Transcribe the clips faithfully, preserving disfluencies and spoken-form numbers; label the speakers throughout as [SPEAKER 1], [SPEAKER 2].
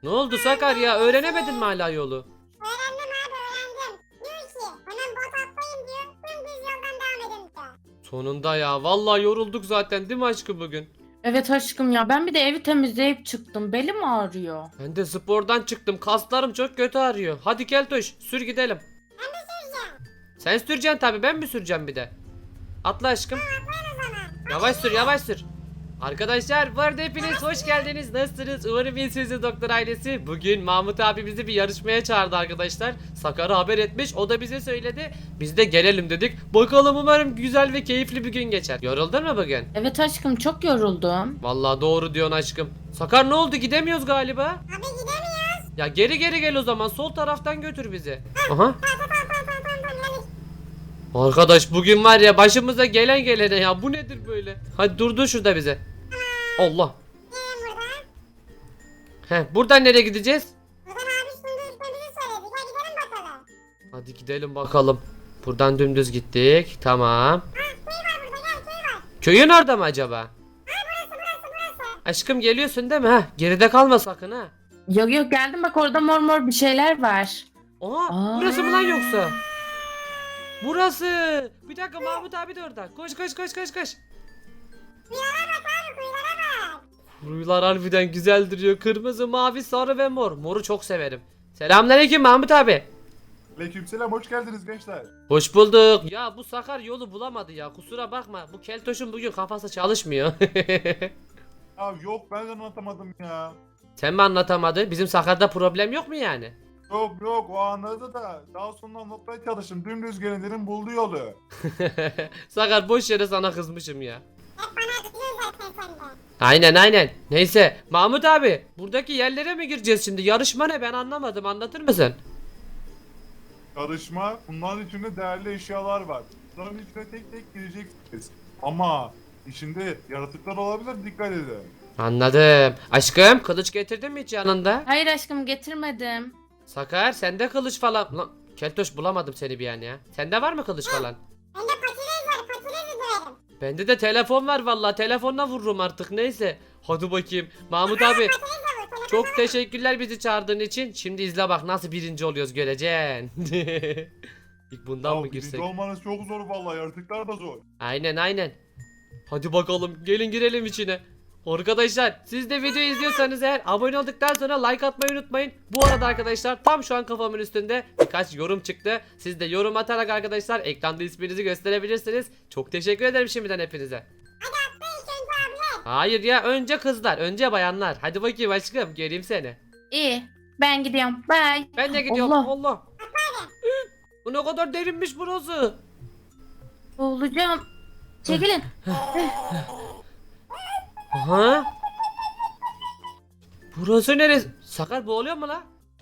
[SPEAKER 1] Ne oldu Sakar ya? Öğrenemedin mi hala yolu?
[SPEAKER 2] Öğrendim abi öğrendim. Diyor ki hemen bot atlayın diyor. Dümdüz yoldan devam edin diyor.
[SPEAKER 1] Sonunda ya. Vallahi yorulduk zaten değil mi aşkım bugün?
[SPEAKER 3] Evet aşkım ya, ben bir de evi temizleyip çıktım. Belim ağrıyor.
[SPEAKER 1] Ben de spordan çıktım. Kaslarım çok kötü ağrıyor. Hadi Keltoş sür gidelim.
[SPEAKER 2] Ben de süreceğim.
[SPEAKER 1] Sen süreceksin tabii, ben mi süreceğim bir de? Atla aşkım.
[SPEAKER 2] Atlayın o zaman.
[SPEAKER 1] Yavaş sür yavaş sür. Arkadaşlar bu arada hepiniz hoş geldiniz. Nasılsınız? Umarım iyisiniz doktor ailesi. Bugün Mahmut abi bizi bir yarışmaya çağırdı arkadaşlar. Sakar'ı haber etmiş. O da bize söyledi. Biz de gelelim dedik. Bakalım, umarım güzel ve keyifli bir gün geçer. Yoruldun mu bugün?
[SPEAKER 3] Evet aşkım, çok yoruldum.
[SPEAKER 1] Vallahi doğru diyorsun aşkım. Sakar ne oldu? Gidemiyoruz galiba.
[SPEAKER 2] Abi gidemiyoruz.
[SPEAKER 1] Ya geri geri gel o zaman. Sol taraftan götür bizi. Aha.
[SPEAKER 2] Tamam tamam tamam tamam tamam. Geldik.
[SPEAKER 1] Arkadaş bugün var ya başımıza gelen gelene ya. Bu nedir böyle? Hadi durdur şurada bize. Allah.
[SPEAKER 2] Gelin buradan.
[SPEAKER 1] Heh, buradan nereye gideceğiz?
[SPEAKER 2] Buradan abi şimdi gitmemizi söyledi. Gel gidelim bakalım.
[SPEAKER 1] Hadi gidelim bakalım. Buradan dümdüz gittik. Tamam.
[SPEAKER 2] Ha köy var burada gel köy var.
[SPEAKER 1] Köyün orada mı acaba?
[SPEAKER 2] Ha burası burası burası.
[SPEAKER 1] Aşkım geliyorsun değil mi? Heh, geride kalma sakın ha.
[SPEAKER 3] Yok yok, geldim, bak orada mor mor bir şeyler var.
[SPEAKER 1] Oha,
[SPEAKER 3] Aa.
[SPEAKER 1] burası mı lan yoksa? Burası. Bir dakika, Mahmut abi de orada. Koş koş koş koş koş.
[SPEAKER 2] Kuyulara bak abi kuyulara bak.
[SPEAKER 1] Ruylar harbiden güzel duruyor. Kırmızı, mavi, sarı ve mor. Moru çok severim. Selamünaleyküm Mahmut abi.
[SPEAKER 4] Aleykümselam, hoş geldiniz gençler.
[SPEAKER 1] Hoş bulduk. Ya bu Sakar yolu bulamadı ya. Kusura bakma. Bu Keltoş'un bugün kafası çalışmıyor.
[SPEAKER 4] Ya yok, ben de anlatamadım ya.
[SPEAKER 1] Sen mi anlatamadın? Bizim Sakar'da problem yok mu yani?
[SPEAKER 4] Yok yok, o anladı da daha sonra anlatmaya çalıştım. Dümdüz gelin dedim, buldu yolu.
[SPEAKER 1] Sakar boş yere sana kızmışım ya.
[SPEAKER 2] Hep bana kızıyor zaten sen de.
[SPEAKER 1] Aynen aynen. Neyse Mahmut abi, buradaki yerlere mi gireceğiz şimdi? Yarışma ne, ben anlamadım, anlatır mısın?
[SPEAKER 4] Yarışma, bunların içinde değerli eşyalar var. Bunların içine tek tek gireceksiniz. Ama içinde yaratıklar olabilir, dikkat edin.
[SPEAKER 1] Anladım. Aşkım kılıç getirdin mi hiç yanında?
[SPEAKER 3] Hayır aşkım, getirmedim.
[SPEAKER 1] Sakar sende kılıç falan. Lan Keltoş, bulamadım seni bir an ya. Sende var mı kılıç falan?
[SPEAKER 2] Bende patates var patatesi döverim.
[SPEAKER 1] Bende de telefon var vallahi, telefonla vururum artık, neyse. Hadi bakayım. Mahmut abi
[SPEAKER 2] Patates de var telefon.
[SPEAKER 1] çok teşekkürler bizi çağırdığın için. Şimdi izle bak nasıl birinci oluyoruz, göreceksin. İlk bundan
[SPEAKER 4] Ya
[SPEAKER 1] mı
[SPEAKER 4] birinci
[SPEAKER 1] girsek?
[SPEAKER 4] olmanız çok zor vallahi, yaratıklar da zor.
[SPEAKER 1] Aynen aynen. Hadi bakalım, gelin girelim içine. Arkadaşlar siz de video izliyorsanız eğer abone olduktan sonra like atmayı unutmayın. Bu arada arkadaşlar tam şu an kafamın üstünde birkaç yorum çıktı. Siz de yorum atarak arkadaşlar ekranda isminizi gösterebilirsiniz. Çok teşekkür ederim şimdiden hepinize.
[SPEAKER 2] Hadi atlayın ilk önce abiler.
[SPEAKER 1] Hayır ya, önce kızlar, önce bayanlar. Hadi bakayım aşkım, göreyim seni.
[SPEAKER 3] İyi, ben gidiyorum. Bye.
[SPEAKER 1] Ben de gidiyorum.
[SPEAKER 3] Allah.
[SPEAKER 1] Allah. Bu ne kadar derinmiş burası.
[SPEAKER 3] Boğulacağım. Çekilin.
[SPEAKER 1] Aha. Burası neresi? Sakar boğuluyor mu la?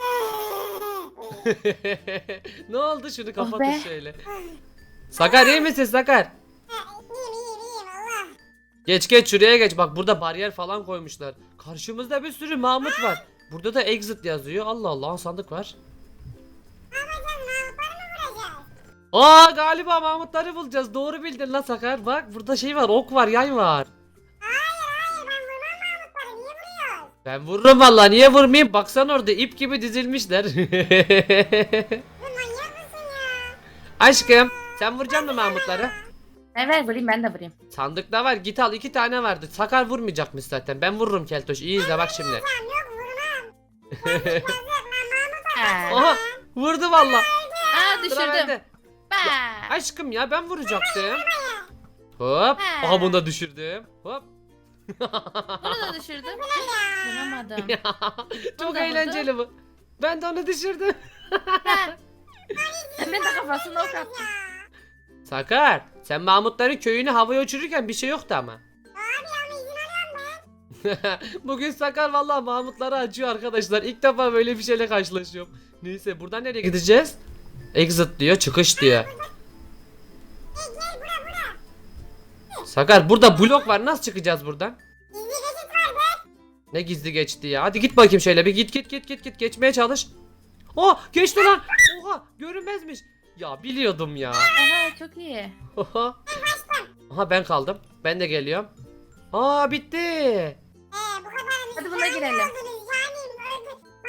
[SPEAKER 1] Ne oldu, şunu kapatın
[SPEAKER 3] be.
[SPEAKER 1] şöyle. Sakar iyi misin Sakar?
[SPEAKER 2] Ha, iyiyim iyiyim iyiyim Allah.
[SPEAKER 1] Geç geç şuraya geç, bak burada bariyer falan koymuşlar. Karşımızda bir sürü Mahmut var. Burada da exit yazıyor. Allah Allah, sandık var.
[SPEAKER 2] Ne yapacağız Mahmutları mı vuracağız?
[SPEAKER 1] Aa, galiba Mahmutları bulacağız. Doğru bildin lan Sakar. Bak burada şey var, ok var, yay var.
[SPEAKER 2] Hayır hayır ben vurmam Mahmutları niye vuruyoruz?
[SPEAKER 1] Ben vururum vallahi, niye vurmayayım? Baksana orada ip gibi dizilmişler.
[SPEAKER 2] Bu manyak mısın ya?
[SPEAKER 1] Aşkım sen vuracaksın mı Mahmutları?
[SPEAKER 3] Evet, vurayım, ben de vurayım.
[SPEAKER 1] Sandıkta var, git al, iki tane vardı. Sakar vurmayacakmış zaten, ben vururum Keltoş. İyi izle bak şimdi.
[SPEAKER 2] Tamam yok vurmam. Ben gitmez yok ben Mahmut'a
[SPEAKER 3] Ha.
[SPEAKER 1] Aha, vurdu valla.
[SPEAKER 3] Aa,
[SPEAKER 1] Sıra
[SPEAKER 3] düşürdüm.
[SPEAKER 1] bende.
[SPEAKER 3] Bye.
[SPEAKER 1] Aşkım ya, ben vuracaktım. Hop.
[SPEAKER 3] Ha.
[SPEAKER 1] Aha, bunu da düşürdüm. Hop.
[SPEAKER 3] Bunu da düşürdüm. Vuramadım.
[SPEAKER 1] Çok
[SPEAKER 3] Bunu da
[SPEAKER 1] eğlenceli bu. Ben de onu düşürdüm.
[SPEAKER 3] Ha. Hemen de kafasına ok attım.
[SPEAKER 1] Sakar, sen Mahmutların köyünü havaya uçururken bir şey yoktu ama.
[SPEAKER 2] Abi ama izin alıyorum ben.
[SPEAKER 1] Bugün Sakar vallahi Mahmutları acıyor arkadaşlar. İlk defa böyle bir şeyle karşılaşıyorum. Neyse, buradan nereye gideceğiz? Exit diyor, çıkış diyor.
[SPEAKER 2] Gel gel bura bura.
[SPEAKER 1] Sakar, burada blok var, nasıl çıkacağız buradan?
[SPEAKER 2] Gizli geçit var be.
[SPEAKER 1] Ne gizli geçti ya. Hadi git bakayım şöyle bir, git git git git git geçmeye çalış. Oh, geçti lan. Oha, görünmezmiş. Ya biliyordum ya.
[SPEAKER 3] Aha, çok iyi.
[SPEAKER 1] Oha. Aha, ben kaldım. Ben de geliyorum. Aa, bitti.
[SPEAKER 2] Ee bu kadar
[SPEAKER 3] Hadi buna girelim.
[SPEAKER 2] oldunuz yani öldü.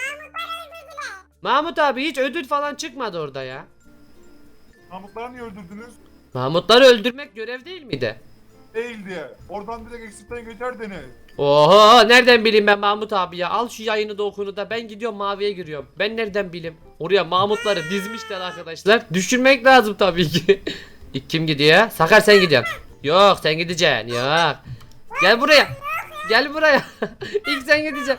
[SPEAKER 1] Mahmut abi hiç ödül falan çıkmadı orada ya.
[SPEAKER 4] Mahmutları niye öldürdünüz?
[SPEAKER 1] Mahmutları öldürmek görev değil miydi?
[SPEAKER 4] Değil diye. Oradan direkt eksitten geçerdiniz.
[SPEAKER 1] Oho nereden bileyim ben Mahmut abi ya. Al şu yayını da okunu da ben gidiyorum maviye giriyorum. Ben nereden bileyim. Oraya Mahmutları dizmişler arkadaşlar. Düşürmek lazım tabii ki. İlk kim gidiyor? Sakar sen gidiyorsun. Yok sen gideceksin yok. Gel buraya. Gel buraya. İlk sen gideceksin.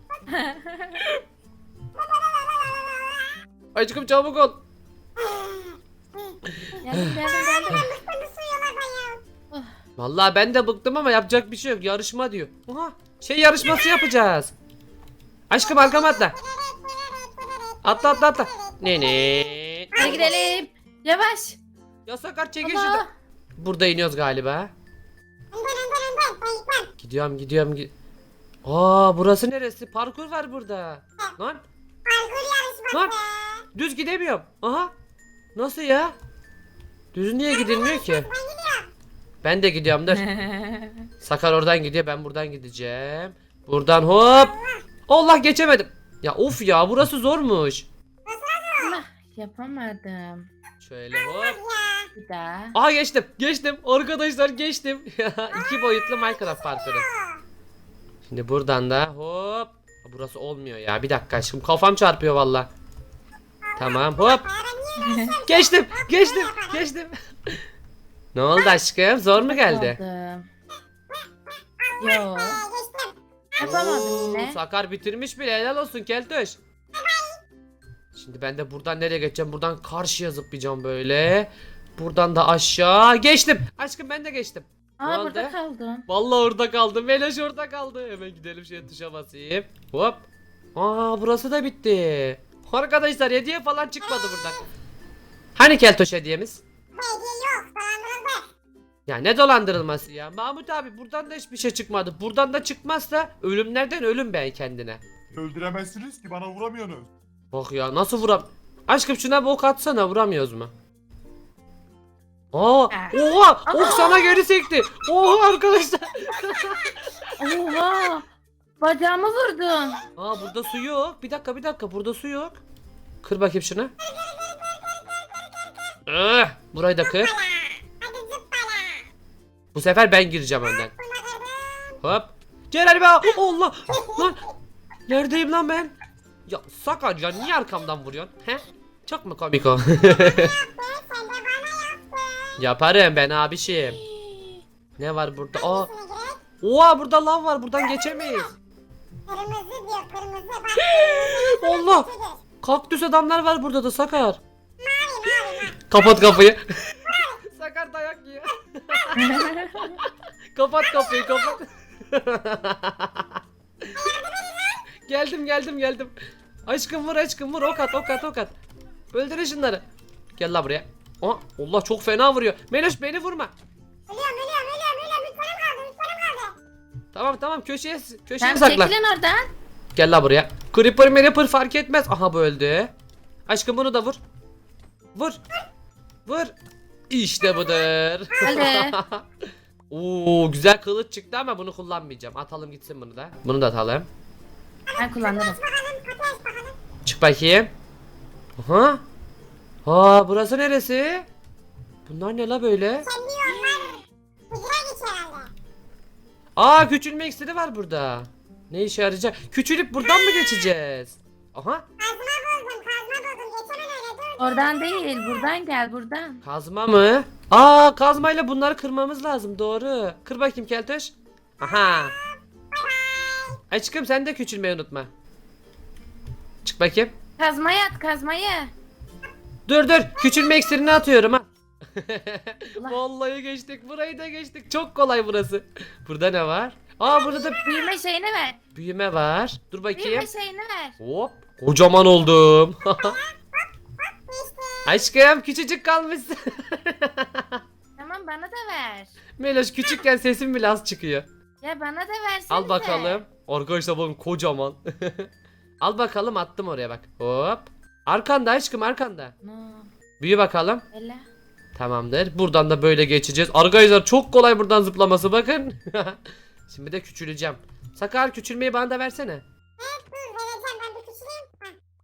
[SPEAKER 1] Aşkım çabuk ol.
[SPEAKER 3] Geldim geldim geldim.
[SPEAKER 2] Bıktım bu suyulardan ya.
[SPEAKER 1] Vallahi ben de bıktım ama yapacak bir şey yok. Yarışma diyor. Oha şey yarışması yapacağız. Aşkım arkama atla. Atla atla atla. Ne ne?
[SPEAKER 3] Hadi gidelim. Yavaş.
[SPEAKER 1] Ya Sakar çekil
[SPEAKER 3] Allah.
[SPEAKER 1] şuradan. Burada iniyoruz galiba.
[SPEAKER 2] Önden önden önden. Ben gitmem.
[SPEAKER 1] Gidiyorum gidiyorum. Gi Aa burası neresi? Parkur var burada. Lan
[SPEAKER 2] Parkur yarışması.
[SPEAKER 1] Lan. düz gidemiyorum. Aha. Nasıl ya? Düz niye gidilmiyor ki?
[SPEAKER 2] Ben gidiyorum.
[SPEAKER 1] Ben de gidiyorum dur. Sakar oradan gidiyor ben buradan gideceğim. Buradan hop. Allah geçemedim. Ya of ya burası zormuş.
[SPEAKER 3] Allah yapamadım.
[SPEAKER 1] Şöyle hop.
[SPEAKER 2] Ya.
[SPEAKER 3] Bir daha.
[SPEAKER 1] Aha geçtim. Geçtim. Arkadaşlar geçtim. İki boyutlu Minecraft parkuru. Şimdi buradan da hop. Burası olmuyor ya. Bir dakika aşkım. Kafam çarpıyor valla. Tamam hop. Geçtim. Geçtim. Geçtim. Ne oldu aşkım? Zor mu geldi?
[SPEAKER 3] Oldu. Yo.
[SPEAKER 2] Ee, geçtim.
[SPEAKER 3] Yapamadım
[SPEAKER 1] Oo,
[SPEAKER 3] yine.
[SPEAKER 1] Sakar bitirmiş bile. Helal olsun Keltoş. Şimdi ben de buradan nereye geçeceğim? Buradan karşıya zıplayacağım böyle. Buradan da aşağı. Geçtim. Aşkım ben de geçtim. Ne
[SPEAKER 3] Aa
[SPEAKER 1] oldu?
[SPEAKER 3] burada kaldım.
[SPEAKER 1] Vallahi orada kaldım. Meloş orada kaldı. Hemen gidelim şeye tuşa basayım. Hop. Aa burası da bitti. Arkadaşlar hediye falan çıkmadı buradan. Hani Keltoş hediyemiz?
[SPEAKER 2] Hediye yok. Dolandırıldı.
[SPEAKER 1] Ya ne dolandırılması ya? Mahmut abi buradan da hiçbir şey çıkmadı. Buradan da çıkmazsa ölümlerden ölüm ben kendine.
[SPEAKER 4] Öldüremezsiniz ki bana vuramıyorsunuz.
[SPEAKER 1] Bak ya nasıl vuram... Aşkım şuna bir ok atsana vuramıyoruz mu? Aa, oha! Ok sana geri sekti. Oha arkadaşlar.
[SPEAKER 3] Oha. Bacağımı vurdun.
[SPEAKER 1] Aa burada su yok. Bir dakika bir dakika burada su yok. Kır bakayım şunu. Ah, burayı da kır.
[SPEAKER 2] Hadi zıppala.
[SPEAKER 1] Bu sefer ben gireceğim önden.
[SPEAKER 2] Buna kırdım.
[SPEAKER 1] Hop. Celal be. Allah. Lan. Neredeyim lan ben? Ya Sakar ya niye arkamdan vuruyorsun? He? Çok mu komik o?
[SPEAKER 2] Sen de bana yaptın.
[SPEAKER 1] Yaparım ben abişim. Ne var burada? Aa.
[SPEAKER 2] Şuna gerek.
[SPEAKER 1] Oha burada lav var. Buradan geçemeyiz.
[SPEAKER 2] Kırmızı diyor kırmızı. Bak.
[SPEAKER 1] Allah.
[SPEAKER 2] Kırmızıdır.
[SPEAKER 1] Kaktüs adamlar var burada da Sakar.
[SPEAKER 2] Mavi mavi mavi.
[SPEAKER 1] Kapat kapıyı. Sakar dayak yiyor. Kapat kapıyı kapat. Geldim geldim geldim. Aşkım vur aşkım vur ok at ok at ok at. Öldürün şunları. Gel la buraya. Aa, Allah çok fena vuruyor. Meloş beni vurma.
[SPEAKER 2] Ölüyorum ölüyorum ölüyorum ölüyorum. Bir canım kaldı bir canım kaldı.
[SPEAKER 1] Tamam tamam köşeye köşeye
[SPEAKER 3] Sen
[SPEAKER 1] saklan.
[SPEAKER 3] çekilin oradan.
[SPEAKER 1] Gel la buraya. Creeper Creeper fark etmez. Aha bu öldü. Aşkım bunu da vur. Vur. Vur. İşte budur.
[SPEAKER 3] Hadi.
[SPEAKER 1] Oo güzel kılıç çıktı ama bunu kullanmayacağım. Atalım gitsin bunu da. Bunu da atalım.
[SPEAKER 3] Ben kullanırım.
[SPEAKER 2] Bakalım kapıyı aç bakalım.
[SPEAKER 1] Çık bakayım. Aha. Aa burası neresi? Bunlar ne la böyle?
[SPEAKER 2] Kendi yollar. Hızına geç herhalde.
[SPEAKER 1] Aa küçülme iksiri var burada. Ne işe yarayacak? Küçülüp buradan mı geçeceğiz? Aha.
[SPEAKER 2] Kazma buldum kazma buldum. Geçemem öyle dur.
[SPEAKER 3] Oradan değil buradan gel buradan.
[SPEAKER 1] Kazma mı? Aa kazmayla bunları kırmamız lazım doğru. Kır bakayım Keltoş. Aha. Aşkım sen de küçülmeyi unutma. Çık bakayım.
[SPEAKER 3] Kazmayı at kazmayı.
[SPEAKER 1] Dur dur küçülme iksirini atıyorum ha.
[SPEAKER 3] Allah.
[SPEAKER 1] Vallahi geçtik burayı da geçtik. Çok kolay burası. Burada ne var? Aa burada da
[SPEAKER 3] Büyüme şeyini ver.
[SPEAKER 1] büyüme var. Dur bakayım.
[SPEAKER 3] Büyüme şeyini ver.
[SPEAKER 1] Hop. Kocaman oldum.
[SPEAKER 2] İşte.
[SPEAKER 1] Aşkım küçücük kalmışsın.
[SPEAKER 3] Tamam bana da ver.
[SPEAKER 1] Meloş küçükken sesim bile az çıkıyor.
[SPEAKER 3] Ya bana da versene.
[SPEAKER 1] Al bakalım. Arkadaşlar bakın kocaman. Al bakalım attım oraya bak. Hop. Arkanda aşkım arkanda.
[SPEAKER 3] No.
[SPEAKER 1] Büyü bakalım.
[SPEAKER 3] Ela.
[SPEAKER 1] Tamamdır. Buradan da böyle geçeceğiz. Arkadaşlar çok kolay buradan zıplaması bakın. Şimdi de küçüleceğim. Sakar küçülmeyi bana da versene.
[SPEAKER 2] Evet dur vereceğim ben bir küçüleyim. Heh.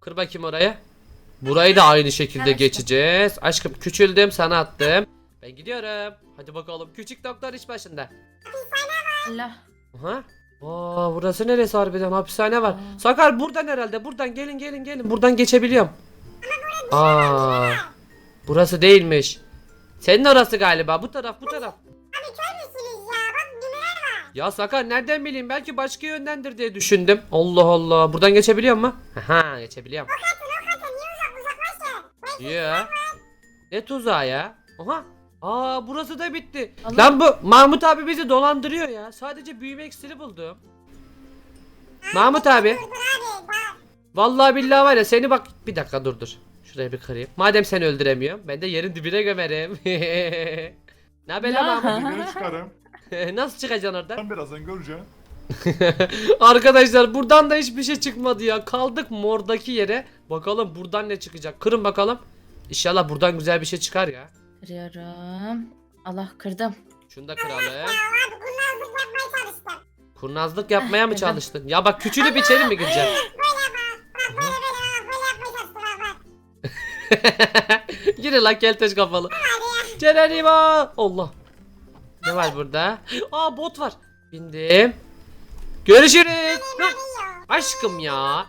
[SPEAKER 1] Kır bakayım oraya. Burayı da aynı şekilde
[SPEAKER 3] Evet.
[SPEAKER 1] geçeceğiz. Aşkım küçüldüm sana attım. Ben gidiyorum. Hadi bakalım küçük doktor iş başında.
[SPEAKER 3] Allah.
[SPEAKER 1] Aha. Aa, burası neresi harbiden hapishane var.
[SPEAKER 3] Aa.
[SPEAKER 1] Sakar buradan herhalde. Buradan gelin gelin gelin. Buradan geçebiliyorum. Aa. Burası değilmiş. Senin orası galiba. Bu taraf bu taraf.
[SPEAKER 2] Abi kör müsünüz ya? Bak düğmeler var.
[SPEAKER 1] Ya Sakar nereden bileyim? Belki başka yöndendir diye düşündüm. Allah Allah. Buradan geçebiliyor mu? Aha, geçebiliyorum.
[SPEAKER 2] Bakın o kadar niye uzak uzaklaşın?
[SPEAKER 1] Ya. Ne tuzağı ya? Aha. Aa, burası da bitti.
[SPEAKER 3] Allah.
[SPEAKER 1] Lan bu Mahmut abi bizi dolandırıyor ya. Sadece büyüme iksiri buldum. Mahmut abi.
[SPEAKER 2] Dur dur abi. Bak.
[SPEAKER 1] Vallahi billahi var ya seni bak. Bir dakika dur dur. Şurayı bir kırayım. Madem seni öldüremiyorum. Ben de yerin dibine gömerim. Ne haber lan
[SPEAKER 3] Ya.
[SPEAKER 1] Mahmut?
[SPEAKER 4] Yukarı çıkarım.
[SPEAKER 1] Nasıl çıkacaksın oradan?
[SPEAKER 4] Ben birazdan göreceğim.
[SPEAKER 1] Arkadaşlar buradan da hiçbir şey çıkmadı ya. Kaldık mordaki yere. Bakalım buradan ne çıkacak. Kırın bakalım. İnşallah buradan güzel bir şey çıkar ya.
[SPEAKER 3] Kırıyorum. Allah kırdım.
[SPEAKER 1] Şunu da kıralım.
[SPEAKER 2] Ya abi kurnazlık yapmaya çalıştım.
[SPEAKER 1] Kurnazlık yapmaya mı
[SPEAKER 3] Neden?
[SPEAKER 1] çalıştın? Ya bak küçülüp içeri mi gireceksin?
[SPEAKER 2] Böyle bak. Bak böyle böyle bak. Böyle yapmaya çalıştım bak bak.
[SPEAKER 1] Yürü lan kelteş kafalı. Cerenimo. Allah. Ne var burada? Aa, bot var. Bindim. Görüşürüz. Lan, aşkım ya.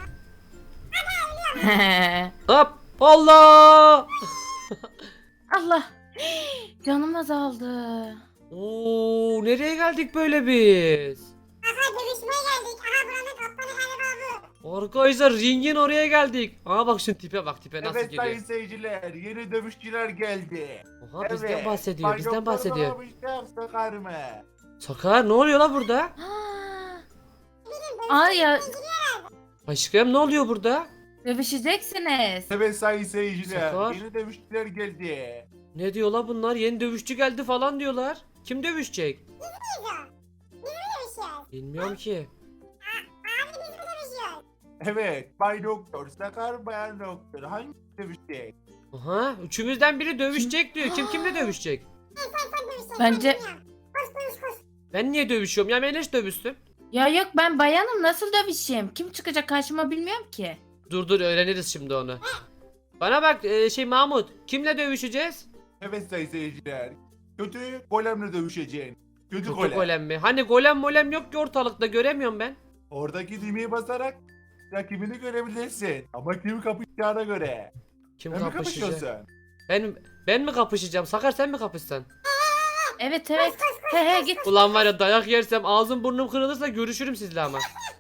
[SPEAKER 1] Hop. Allah.
[SPEAKER 3] Allah. Canım azaldı.
[SPEAKER 1] Oo, nereye geldik böyle biz?
[SPEAKER 2] Aha dövüşmeye geldik. Aha buranın kaptanı galiba bu.
[SPEAKER 1] Arkadaşlar ringin oraya geldik. Aa bak şu tipe bak tipe nasıl
[SPEAKER 4] Evet
[SPEAKER 1] geliyor.
[SPEAKER 4] sayın seyirciler, yeni dövüşçüler geldi.
[SPEAKER 1] Oha bizden
[SPEAKER 4] Evet,
[SPEAKER 1] bahsediyor
[SPEAKER 4] Bay
[SPEAKER 1] bizden
[SPEAKER 4] Doktor
[SPEAKER 1] bahsediyor.
[SPEAKER 4] Bağlamışlar Sakar mı?
[SPEAKER 1] Sakar ne oluyor la burada?
[SPEAKER 3] Ha.
[SPEAKER 2] Bilin
[SPEAKER 3] Ay ya
[SPEAKER 1] Aşkım ne oluyor burada?
[SPEAKER 3] dövüşeceksiniz.
[SPEAKER 4] Evet sayın seyirciler,
[SPEAKER 1] Sakar.
[SPEAKER 4] yeni dövüşçüler geldi.
[SPEAKER 1] Ne diyorlar bunlar? Yeni dövüşçü geldi falan diyorlar. Kim dövüşecek?
[SPEAKER 2] Biz o. Biz mi dövüşüyoruz?
[SPEAKER 1] Bilmiyorum ki.
[SPEAKER 2] Abi biz mi dövüşüyoruz?
[SPEAKER 4] Evet, Bay Doktor, Sakar Bayan Doktor, hangi dövüşecek?
[SPEAKER 1] Aha, üçümüzden biri dövüşecek diyor. Kim kimle dövüşecek?
[SPEAKER 2] Sen sen sen dövüşeceksin.
[SPEAKER 3] Bence-
[SPEAKER 2] Ben bilmiyorum. Koş koş koş.
[SPEAKER 1] Ben niye dövüşüyorum? Ya Meleş dövüşsün.
[SPEAKER 3] Ya yok ben bayanım nasıl dövüşeyim? Kim çıkacak karşıma bilmiyorum ki.
[SPEAKER 1] Dur dur öğreniriz şimdi onu. Bana bak e, şey Mahmut. Kimle dövüşeceğiz?
[SPEAKER 4] Evet sayın seyirciler, kötü golemle dövüşeceksin. Kötü,
[SPEAKER 1] Kötü
[SPEAKER 4] golem.
[SPEAKER 1] golem mi? Hani golem molem yok ki ortalıkta göremiyorum ben.
[SPEAKER 4] Oradaki düğmeye basarak rakibini görebilirsin. Ama kim kapışacağına göre.
[SPEAKER 1] Kim
[SPEAKER 4] Ben mi
[SPEAKER 1] kapışacak?
[SPEAKER 4] kapışıyorsun?
[SPEAKER 1] Ben ben mi kapışacağım? Sakar sen mi kapışsan?
[SPEAKER 3] Evet evet. He he git.
[SPEAKER 1] Ulan var ya dayak yersem ağzım burnum kırılırsa görüşürüm sizle ama.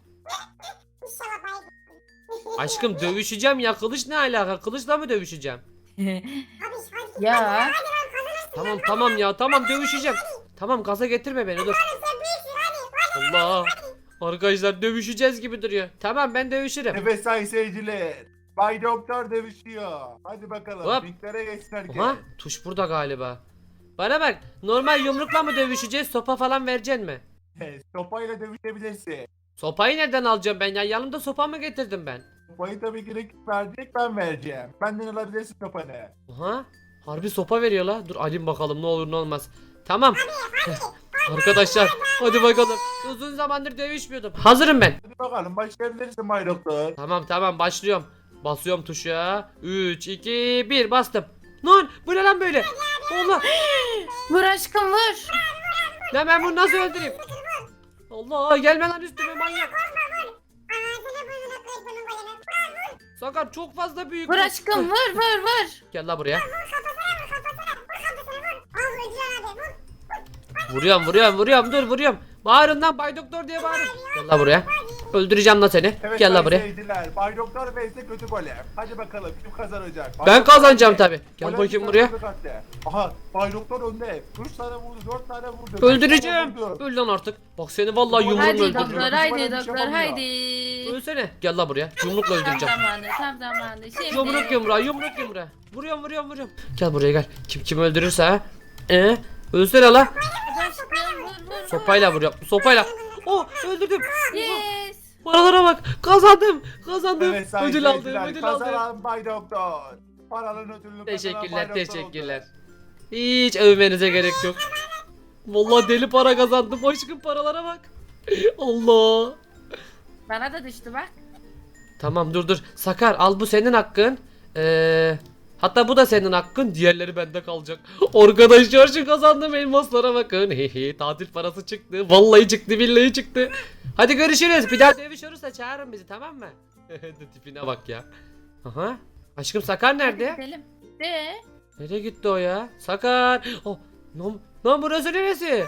[SPEAKER 2] İnşallah bay.
[SPEAKER 1] Aşkım dövüşeceğim ya kılıç ne alaka? Kılıçla mı dövüşeceğim?
[SPEAKER 2] Abi hadi.
[SPEAKER 3] Ya.
[SPEAKER 1] Tamam tamam ya tamam dövüşeceğim. Tamam gaza getirme beni dur.
[SPEAKER 2] Sen büyüksün hadi.
[SPEAKER 1] Allah. Arkadaşlar dövüşeceğiz gibi duruyor. Tamam ben dövüşürüm.
[SPEAKER 4] Evet sayın seyirciler. Bay Doktor dövüşüyor. Hadi bakalım.
[SPEAKER 1] Hop.
[SPEAKER 4] Ringlere geçsin herkes.
[SPEAKER 1] Aha tuş burada galiba. Bana bak normal yumrukla mı dövüşeceğiz sopa falan vereceksin mi?
[SPEAKER 4] Sopayla dövüşebilirsin.
[SPEAKER 1] Sopayı nereden alacağım ben ya yanımda sopa mı getirdim ben?
[SPEAKER 4] Sopayı tabii ki rakip verecek, ben vereceğim. Benden alabilirsin sopanı.
[SPEAKER 1] Aha harbi sopa veriyor la. Dur alayım bakalım ne olur ne olmaz. Tamam. Arkadaşlar hadi bakalım. Uzun zamandır dövüşmüyordum. Hazırım ben.
[SPEAKER 4] Hadi bakalım başlayabilirsin Bay Doktor.
[SPEAKER 1] Tamam tamam başlıyorum. Basıyorum tuşa. üç iki bir bastım. Lan bu ne lan böyle? Allah.
[SPEAKER 3] Vur aşkım vur.
[SPEAKER 1] Lan ben bunu nasıl öldüreyim? Allah gelme lan üstüme manyak.
[SPEAKER 2] Ağzını burnunu kır bunun golemi.
[SPEAKER 1] Sakar çok fazla büyük.
[SPEAKER 3] Vur
[SPEAKER 1] bu.
[SPEAKER 3] aşkım vur vur vur.
[SPEAKER 1] Gel la buraya.
[SPEAKER 2] Vur kafasına vur. Al öldüren abi vur.
[SPEAKER 1] Vuruyorum vuruyorum vuruyorum dur vuruyorum. Bağırın lan Bay Doktor diye bağırın. Gel la buraya. Öldüreceğim la seni.
[SPEAKER 4] Evet
[SPEAKER 1] Gel la
[SPEAKER 4] sayın
[SPEAKER 1] buraya.
[SPEAKER 4] seyirciler. Bay Doktor vs kötü golem. Hadi bakalım kim kazanacak? Bay
[SPEAKER 1] Ben
[SPEAKER 4] Doktor
[SPEAKER 1] kazanacağım
[SPEAKER 4] önde.
[SPEAKER 1] tabi. Gel
[SPEAKER 4] Golem
[SPEAKER 1] bakayım
[SPEAKER 4] bir
[SPEAKER 1] buraya.
[SPEAKER 4] tane kattı. Aha Bay Doktor önde. üç tane vurdu, dört tane vurdu. beş
[SPEAKER 1] Öldüreceğim.
[SPEAKER 4] tane vurdu.
[SPEAKER 1] Öl lan artık. Bak seni vallahi yumruğumla
[SPEAKER 3] Haydi
[SPEAKER 1] öldüreceğim.
[SPEAKER 3] doktor
[SPEAKER 4] Bizim
[SPEAKER 3] haydi
[SPEAKER 4] golem
[SPEAKER 3] doktor
[SPEAKER 4] yapamıyor.
[SPEAKER 3] haydi.
[SPEAKER 1] Ölsene. Gel la buraya. Yumrukla
[SPEAKER 3] Tam
[SPEAKER 1] öldüreceğim.
[SPEAKER 3] zamanı tam zamanı. Şimdi.
[SPEAKER 1] Yumruk yumruğa yumruk yumruğa. Vuruyorum vuruyorum vuruyorum. Gel buraya gel. Kim kim öldürürse ha. Ee, ölsene la.
[SPEAKER 3] Aşkım vur vur.
[SPEAKER 1] Sopayla vuruyorum. Sopayla. Oh öldürdüm.
[SPEAKER 3] Yes.
[SPEAKER 1] Paralara bak. Kazandım. Kazandım.
[SPEAKER 4] Evet sayın
[SPEAKER 1] ödül aldım.
[SPEAKER 4] seyirciler,
[SPEAKER 1] Ödül aldım.
[SPEAKER 4] kazanan Bay Doktor. Paranın ödülünü kazanan Bay
[SPEAKER 1] Teşekkürler,
[SPEAKER 4] Doktor
[SPEAKER 1] teşekkürler.
[SPEAKER 4] oldu.
[SPEAKER 1] Hiç övmenize gerek yok. Vallahi deli para kazandım. Aşkım paralara bak. Allah.
[SPEAKER 3] Bana da düştü bak.
[SPEAKER 1] Tamam dur dur. Sakar al bu senin hakkın. Ee, hatta bu da senin hakkın. Diğerleri bende kalacak. Arkadaşlar şu kazandığım elmaslara bakın. Hehe tatil parası çıktı. Vallahi çıktı billahi çıktı. Hadi görüşürüz. Bir daha dövüş olursa çağırın bizi tamam mı? Tipine bak ya. Aha. Aşkım Sakar nerede?
[SPEAKER 3] Gidelim. De.
[SPEAKER 1] Nereye gitti o ya? Sakar. Oh, lan, lan burası neresi?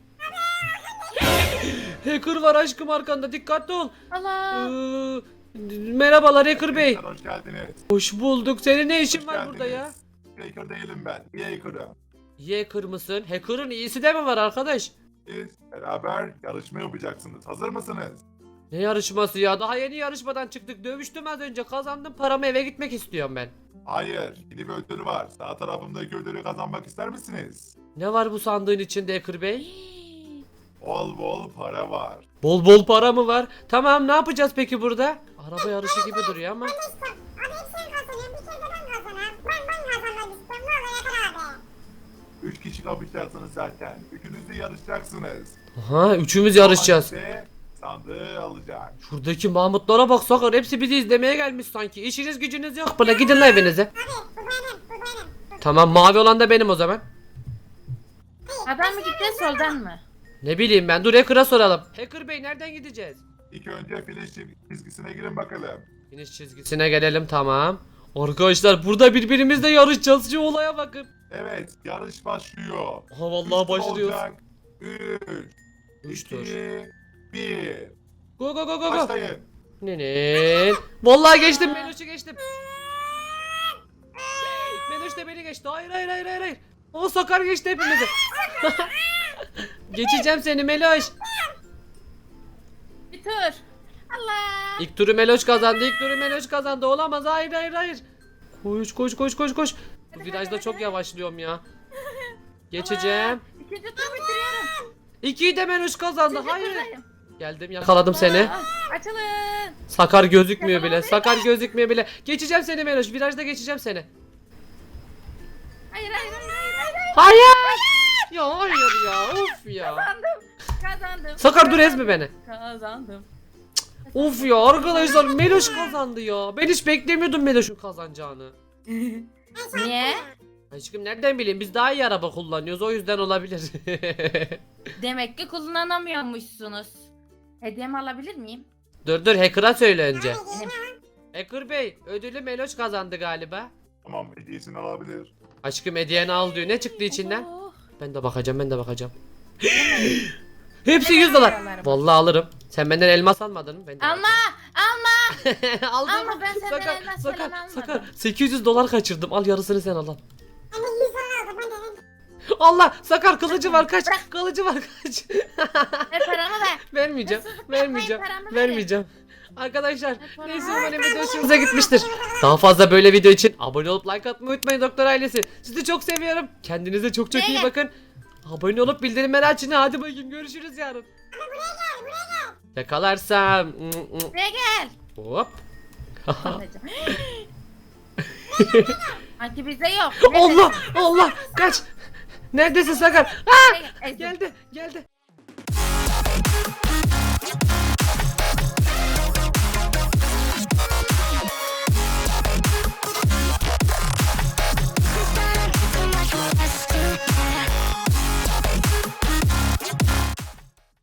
[SPEAKER 1] Hacker var aşkım arkanda dikkatli ol.
[SPEAKER 3] Allah.
[SPEAKER 1] Ee, merhabalar Hacker Bey.
[SPEAKER 4] Hoş geldiniz.
[SPEAKER 1] Hoş bulduk. Senin ne işin
[SPEAKER 4] Hoş
[SPEAKER 1] var burada ya?
[SPEAKER 4] geldiniz. Hacker değilim ben. İyi hacker'ım.
[SPEAKER 1] İyi hacker mısın? Hacker'ın iyisi de mi var arkadaş?
[SPEAKER 4] Siz beraber yarışma yapacaksınız. Hazır mısınız?
[SPEAKER 1] Ne yarışması ya? Daha yeni yarışmadan çıktık. Dövüştüm az önce. Kazandım. Paramı eve gitmek istiyorum ben.
[SPEAKER 4] Hayır. Yeni bir ödül var. Sağ tarafımdaki ödülü kazanmak ister misiniz?
[SPEAKER 1] Ne var bu sandığın içinde Hacker Bey?
[SPEAKER 4] Bol bol para var.
[SPEAKER 1] Bol bol para mı var? Tamam ne yapacağız peki burada? Araba yarışı gibi duruyor ama.
[SPEAKER 2] Abi hep sen kazanıyorsun. Bir kere de ben kazanayım. Ben ben kazanmak istiyorum. Ne olur Yakar abi.
[SPEAKER 4] Üç kişi kapışacaksınız zaten. Üçünüz de yarışacaksınız.
[SPEAKER 1] Aha üçümüz yarışacağız.
[SPEAKER 4] Hangisi sandığı alacak.
[SPEAKER 1] Şuradaki Mahmutlara bak Sakar. Hepsi bizi izlemeye gelmiş sanki. İşiniz gücünüz yok. Buna gidin lan evinize.
[SPEAKER 2] Abi bu benim. Bu benim.
[SPEAKER 1] Tamam mavi olan da benim o zaman.
[SPEAKER 3] Sağdan mı gideceğiz soldan mı?
[SPEAKER 1] Ne bileyim ben dur Hacker'a soralım. Hacker Bey nereden gideceğiz?
[SPEAKER 4] İlk önce finish çizgisine girin bakalım.
[SPEAKER 1] Finish çizgisine gelelim tamam. Arkadaşlar burada birbirimizle yarışacağız. Şu olaya bakın.
[SPEAKER 4] Evet, yarış başlıyor.
[SPEAKER 1] Aha vallahi başlıyoruz.
[SPEAKER 4] üç,
[SPEAKER 1] Üç
[SPEAKER 4] iki,
[SPEAKER 1] tur.
[SPEAKER 4] bir.
[SPEAKER 1] Go go go go go.
[SPEAKER 4] Başlayın.
[SPEAKER 1] Nenin? Vallahi geçtim Meloş'u geçtim. Meloş da beni geçti. Hayır hayır hayır hayır. hayır. O Sakar geçti hepimizi. Geçeceğim seni Meloş.
[SPEAKER 3] Bir tur. Allah.
[SPEAKER 1] İlk turu Meloş kazandı. İlk turu Meloş kazandı. Olamaz. Hayır hayır hayır. Koş koş koş koş koş. Bu virajda çok yavaşlıyorum ya. Geçeceğim.
[SPEAKER 3] İkinci tur bitiriyorum.
[SPEAKER 1] İkiyi de Meloş kazandı.
[SPEAKER 3] İkinci
[SPEAKER 1] Hayır.
[SPEAKER 3] turdayım.
[SPEAKER 1] Geldim yakaladım seni.
[SPEAKER 3] Aa, açılın.
[SPEAKER 1] Sakar gözükmüyor bile. Sakar gözükmüyor bile. Geçeceğim seni Meloş. Virajda geçeceğim seni.
[SPEAKER 3] Hayır hayır hayır hayır. hayır.
[SPEAKER 1] Hayır. Ya hayır ya. Of ya.
[SPEAKER 3] Kazandım. Kazandım.
[SPEAKER 1] Sakar dur ezme
[SPEAKER 3] Kazandım.
[SPEAKER 1] beni.
[SPEAKER 3] Kazandım.
[SPEAKER 1] Of ya arkadaşlar Meloş kazandı ya. Ben hiç beklemiyordum Meloş'un kazanacağını.
[SPEAKER 3] Niye?
[SPEAKER 1] Aşkım nereden bileyim biz daha iyi araba kullanıyoruz o yüzden olabilir.
[SPEAKER 3] Demek ki kullanamıyormuşsunuz. Hediyemi alabilir miyim?
[SPEAKER 1] Dur dur Hacker'a söyle önce.
[SPEAKER 3] Benim.
[SPEAKER 1] Hacker Bey ödülü Meloş kazandı galiba.
[SPEAKER 4] Tamam, hediyesini alabilir.
[SPEAKER 1] Aşkım hediyeni al diyor. Ne çıktı içinden?
[SPEAKER 3] Oh.
[SPEAKER 1] Ben de bakacağım ben de bakacağım. Hepsi yüz dolar. Vallahi alırım. Sen benden elmas almadın mı? Ben de
[SPEAKER 3] Alma! Alma!
[SPEAKER 1] aldım.
[SPEAKER 3] Alma, ben senden
[SPEAKER 1] Sakar,
[SPEAKER 3] elmas
[SPEAKER 1] sakar,
[SPEAKER 3] falan almadım.
[SPEAKER 1] sakar. sekiz yüz dolar kaçırdım. Al yarısını sen al. al.
[SPEAKER 2] Ben de yüz dolar aldım. Ben de
[SPEAKER 1] Allah Sakar kılıcı var kaç. Kılıcı var kaç.
[SPEAKER 3] Ver paramı ver.
[SPEAKER 1] Vermeyeceğim.
[SPEAKER 3] Hırsızlık
[SPEAKER 1] Vermeyeceğim.
[SPEAKER 3] yapmayın, paramı
[SPEAKER 1] Vermeyeceğim. Arkadaşlar
[SPEAKER 3] paramı
[SPEAKER 1] neyse
[SPEAKER 3] ver.
[SPEAKER 1] umarım video hoşunuza gitmiştir. Daha fazla böyle video için abone olup like atmayı unutmayın doktor ailesi. Sizi çok seviyorum. Kendinize çok çok iyi
[SPEAKER 3] Buraya
[SPEAKER 1] bakın. Abone olup bildirimleri açın. Hadi bakayım görüşürüz yarın. Yakalarsam.
[SPEAKER 3] Buraya gel.
[SPEAKER 1] Hop.
[SPEAKER 3] Sanki bizde yok.
[SPEAKER 1] Allah Allah kaç. Neredesin Sakar? Aa,
[SPEAKER 3] Ezdim.
[SPEAKER 1] geldi geldi.